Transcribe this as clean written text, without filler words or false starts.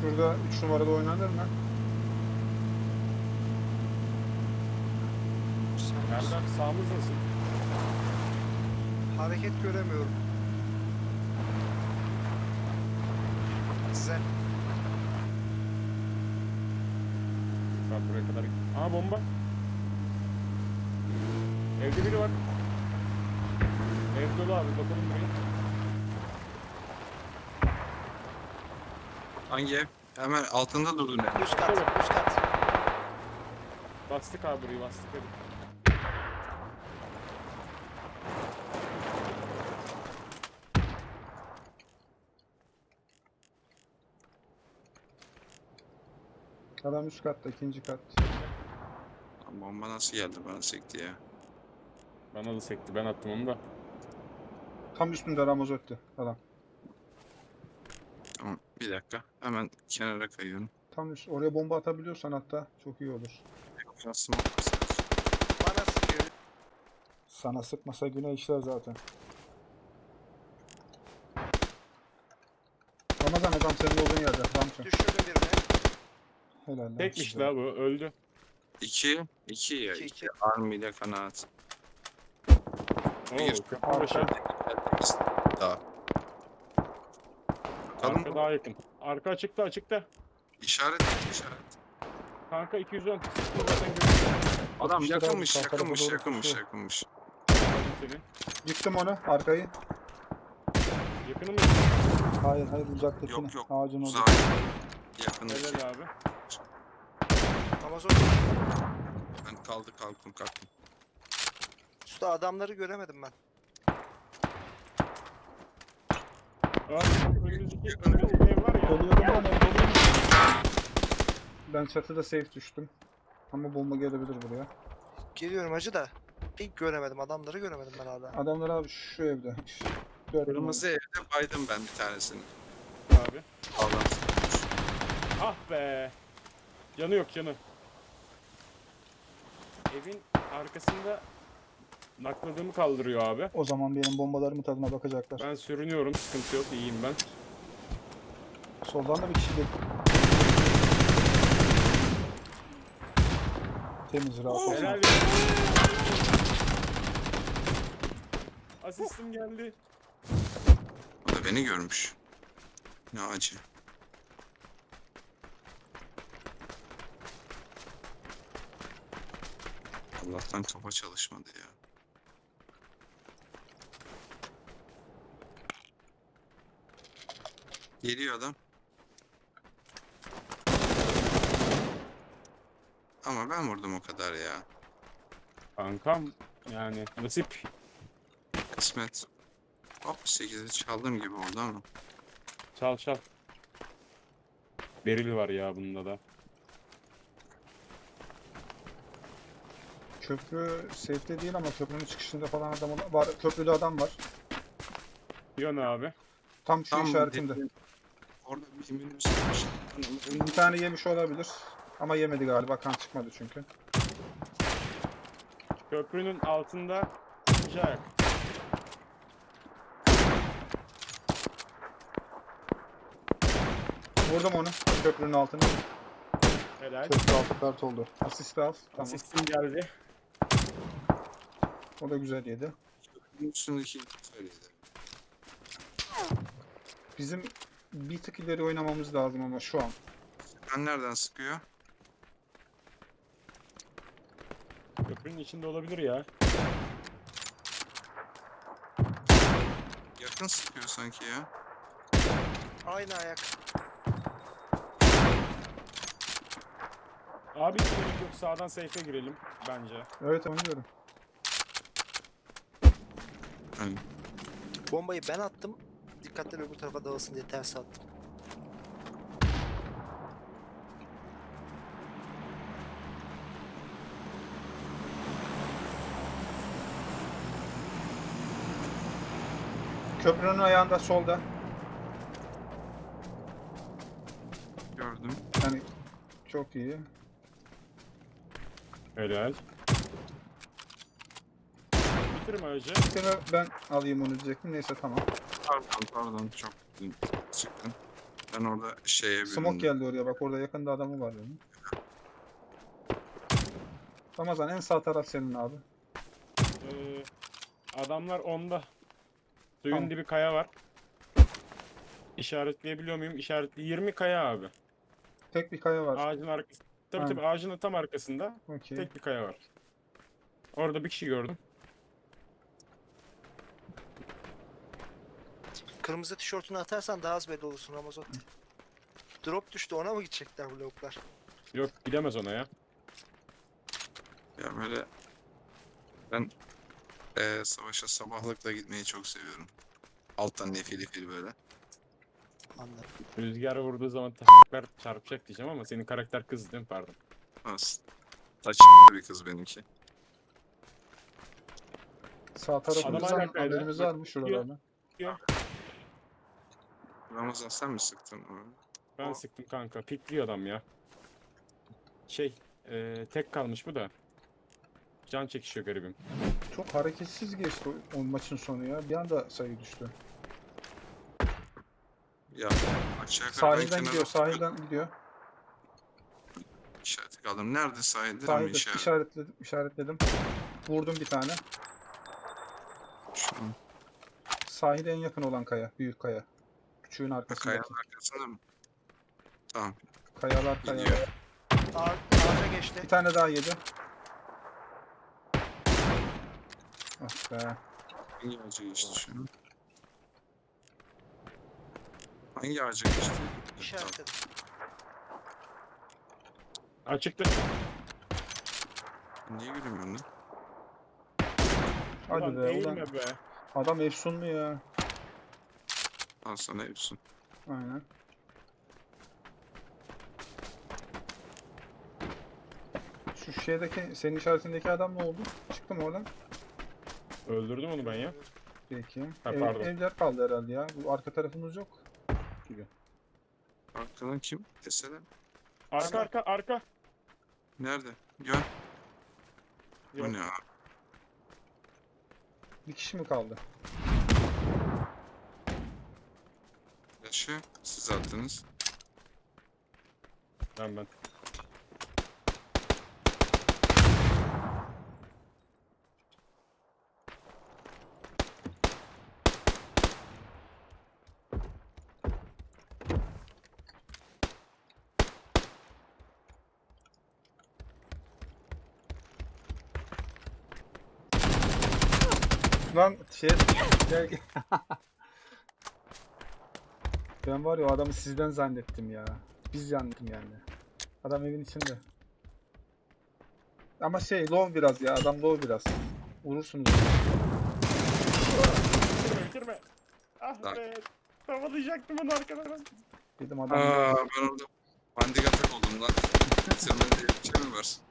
Şurada 3 numarada oynanır mı? Erdem sağımız nasıl? Hareket göremiyorum. Size. Bak buraya kadar. Aha bomba. Evde biri var. Ev dolu abi bakalım buraya. Hangi ev? Hemen altında durdun ya. Üst kat, üst kat. Bastık abi burayı bastık hadi. Adam üst katta, ikinci kat. Lan bomba nasıl geldi bana sekti ya. Bana da sekti ben attım onu da. Tam üstünde Ramazotti adam. Tamam bir dakika. Hemen kenara kayıyorum. Tam üst. Oraya bomba atabiliyorsan hatta çok iyi olur. Nasıl olmaz? Bana sıkıyor. Sana sıkmasa güne işler zaten. Ramazan adam senin olduğun yerde. Ramçın. Düşürdüm birini. Helal lan Tekmiş size. la bu öldü. 2 ya. İki, 2 iki. Army ile kanaat. Oo Bir. köprü başı. Daha. Bakalım. Arka daha yakın. Arka açıkta açıkta. İşaret et işaret. Kanka 210. Zaten görüyorum Adam Atmışlar abi, yakınmış sağ tarafa yakınmış doğru yakınmış koşuyor. yakınmış. seni. Yıktım onu arkayı. Yakını mı? Hayır hayır uzaktakini. Yok yok. Ağacın orada. Uzak. Yakındaki. Helal abi. Amazon. Ben kalktım. Usta adamları göremedim ben. Aa, önümüzdeki ev var ya. Doluyorum lan doluyorum. Ben çatıda safe düştüm. Ama bomba gelebilir buraya. Geliyorum hacı da. İlk göremedim. Adamları göremedim ben hala. Adamlar abi şu evde. Gördüm Kırmızı evde baydım ben bir tanesini. Abi. Allah. Ah be. Canı yok canı. Evin arkasında nakladığımı kaldırıyor abi. O zaman benim bombalarımın tadına bakacaklar. Ben sürünüyorum sıkıntı yok iyiyim ben. Soldan da bir kişi geliyor. Temiz rahat olsun. Helal. Asistim geldi. O da beni görmüş. Ne acı. Allah'tan kafa çalışmadı ya. Geliyor adam. Ama ben vurdum o kadar ya. Kankam yani nasip. Kısmet. Hop 8'i çaldığım gibi oldu ama. Çal çal. Beril var ya bunda da. Köprü safe'de değil ama köprünün çıkışında falan adam var. Köprüde adam var. Yön abi. Tam şu Tam işaretinde. Orada bir minibüs varmış. Bir tane yemiş olabilir. Ama yemedi galiba. Kan çıkmadı çünkü. Köprünün altında ikinci ayak. Vurdum onu. Köprünün altına. Helal. Köprü altı kart oldu. Asist al. Tamam. Asistim geldi. O da güzel yedi. Üstündeki söyledi. Bizim bir tık ileri oynamamız lazım ama şu an. Ben nereden sıkıyor? Köprünün içinde olabilir ya. Yakın sıkıyor sanki ya. Aynı ayak. Abi hiç gerek yok sağdan safe'e girelim bence. Evet onu diyorum. Hani Bombayı ben attım. Dikkatleri öbür tarafa dağılsın diye ters attım. Köprünün ayağında solda. gördüm. Yani çok iyi. Helal. Bitirme acı. Bir tane ben alayım onu diyecektim. Neyse tamam. Pardon çok çıktın. Ben orada şeye Smoke büründüm. geldi oraya bak, orada yakında adamı var benim. Ramazan en sağ taraf senin abi. Adamlar onda. Suyun Tamam. dibi kaya var. İşaretleyebiliyor muyum? İşaretli 20 kaya abi. Tek bir kaya var. Ağacın arkası. Tabii Aynen. tabii ağacın tam arkasında Okey. tek bir kaya var. Orada bir kişi gördüm. Kırmızı tişörtünü atarsan daha az belli olursun Ramazan. Drop düştü, ona mı gidecekler bu lavuklar? Yok gidemez ona ya. Ya böyle ben savaşa sabahlıkla gitmeyi çok seviyorum. Alttan nefil böyle. Anladım. Rüzgar vurduğu zaman taşaklar çarpacak diyeceğim ama senin karakter kız değil mi? Pardon. Az. Taç bir kız benimki. Sağ Adam tarafımızdan hala kaydı. haberimiz var mı şuralarda? Ramazan sen mi sıktın onu? Ben O- sıktım kanka. Pikliyor adam ya. Tek kalmış bu da. Can çekişiyor garibim. Çok hareketsiz geçti o maçın sonu ya. Bir anda sayı düştü. Ya aşağı yukarı ben Sahilden kenara gidiyor, sahilden gidiyor. işareti kaldım. Nerede sahilde mi Sahilde işaret? işaretledim. Vurdum bir tane. Şu an Sahile en yakın olan kaya, büyük kaya. Küçüğün arkasındaki. kayanın arkasında mı? Tamam. Kayalar. Gidiyor. Ağaca geçti. Bir tane daha yedi. Ah be. Hangi ağaca geçti şu an? Hangi ağaca geçti? Tamam. İşaretledim. Açıktı. Niye gülmüyorsun lan? Hadi Ulan be, eğilme ulan. be. Adam efsunlu ya. Al sana hepsini. Aynen. Şu şeydeki, senin işaretindeki adam ne oldu? Çıktı mı oradan? Öldürdüm onu ben ya. Peki. Ha, pardon. Evler kaldı herhalde ya. Bu arka tarafımız yok gibi. Arkadan kim? Desene. Arka. Nerede? Gel. Yok. Bu ne ya? Bir kişi mi kaldı? Yaşı siz attınız. Ben. Lan gel. Ben var ya, o adamı sizden zannettim ya. Biz zannettim yani. Adam evin içinde. Ama low biraz ya. Adam low biraz. Vurursunuz. Bitirme. Ah Lan. be. Tavalayacaktım onu arkadan. Dedim adam. Ben orada bandik atak oldum lan. Bitirme diye bir şey mi var?